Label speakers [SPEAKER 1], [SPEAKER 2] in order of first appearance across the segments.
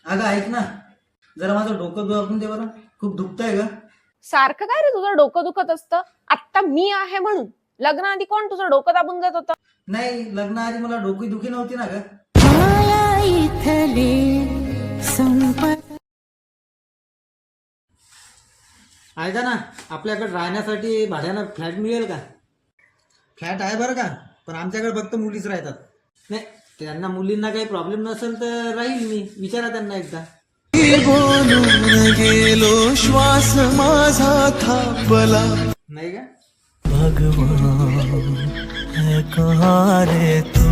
[SPEAKER 1] अगं ऐक ना, जरा माझं डोकं दाबून दे बरं. खूप दुखतंय ग.
[SPEAKER 2] सारखं काय रे तुझं डोकं दुखत असतं? आत्ता मी आहे म्हणून. लग्नाआधी कोण तुझं डोकं दाबून जात होतं?
[SPEAKER 1] नाही, लग्नाआधी मला डोकी दुखी नव्हती ना ग. ऐका ना, आपल्याकडे राहण्यासाठी भाड्यानं फ्लॅट मिळेल का? फ्लॅट आहे बरं का, पण आमच्याकडे फक्त मुलीच राहतात. नाही, त्यांना मुलींना काही प्रॉब्लेम नसेल तर राहील मी. विचारा त्यांना एकदा.
[SPEAKER 3] बोलून गेलो श्वास माझा थांबला.
[SPEAKER 1] नाही का?
[SPEAKER 3] भगवान है कहाँ रे तू,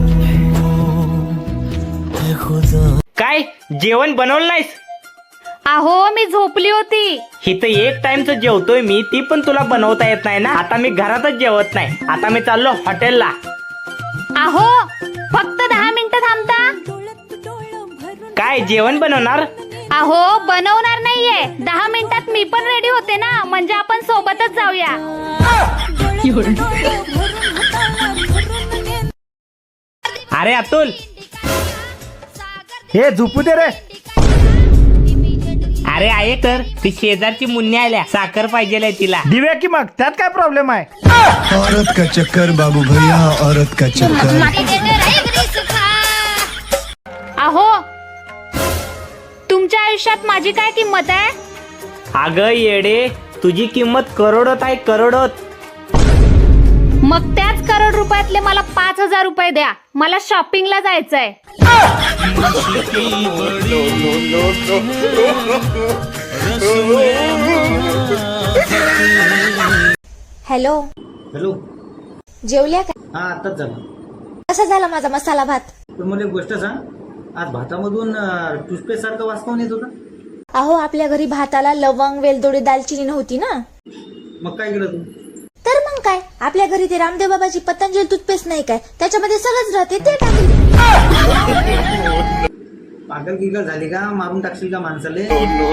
[SPEAKER 3] है खुदा.
[SPEAKER 4] काय जेवण बनवलं नाहीस?
[SPEAKER 5] अहो मी झोपली होती.
[SPEAKER 4] इथं एक टाइमचं जेवतोय मी, ती पण तुला बनवता येत नाही ना. आता मी घरातच जेवत नाही, आता मी चाललो हॉटेलला.
[SPEAKER 5] अहो फक्त 10 मिनिटं थांबता.
[SPEAKER 4] काय जेवण बनवणार?
[SPEAKER 5] अहो बनवणार नाहीये, 10 मिनिटात मी पण रेडी होते ना, म्हणजे आपण सोबतच जाऊया.
[SPEAKER 4] अरे अतुल,
[SPEAKER 6] हे झोपू दे रे.
[SPEAKER 4] अरे आहे तर ती शेजारची मुन्नी आल्या, साखर पाहिजे तिला.
[SPEAKER 6] दिव्या की मग त्यात काय प्रॉब्लेम आहे?
[SPEAKER 3] औरत का चक्कर बाबू भैया, औरत का चक्कर.
[SPEAKER 5] अहो तुमच्या आयुष्यात माझी काय किंमत आहे?
[SPEAKER 4] अगं येडे, तुझी किंमत करोडोत आहे, करोडोत.
[SPEAKER 5] मग त्याच करोड रुपयातले मला 5,000 रुपये द्या, मला शॉपिंगला जायचंय.
[SPEAKER 7] Hello,
[SPEAKER 1] hello.
[SPEAKER 7] जेवल्या का?
[SPEAKER 1] हा, आताच झालं.
[SPEAKER 7] कसा झाला माझा मसाला भात?
[SPEAKER 1] पण मला एक गोष्ट सांग, आज भातामधून टूथपेस्ट सारखं वास काऊन येत होता?
[SPEAKER 7] अहो आपल्या घरी भाताला लवंग, वेलदोडी, दालचिनी नव्हती ना.
[SPEAKER 1] मग काय केलं तू?
[SPEAKER 7] तर मग काय, आपल्या घरी ते रामदेव बाबाची पतंजली टूथपेस्ट नाही काय, त्याच्यामध्ये सगळंच राहते, ते टाकली.
[SPEAKER 1] पागल गिगल झाली का? मारून टाकशील का माणसाले?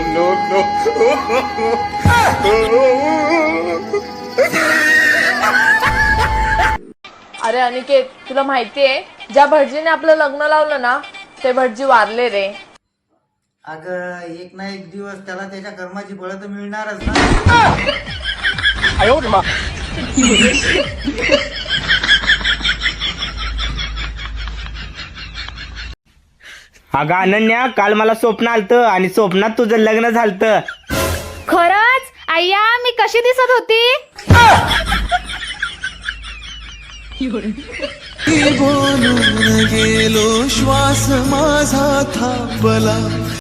[SPEAKER 2] अरे अनिकेत, तुला माहितीये ज्या भटजीने आपलं लग्न लावलं ना, ते भटजी वारले रे.
[SPEAKER 1] अगं एक ना एक दिवस त्याला त्याच्या कर्माची फळं तर मिळणारच ना.
[SPEAKER 4] अगं अनन्या, काल मला स्वप्न आलतं आणि स्वप्नात तुझं लग्न झालतं.
[SPEAKER 5] खरंच अय्या, मी कशी दिसत होती?
[SPEAKER 3] बोलून गेलो श्वास माझा थांबला.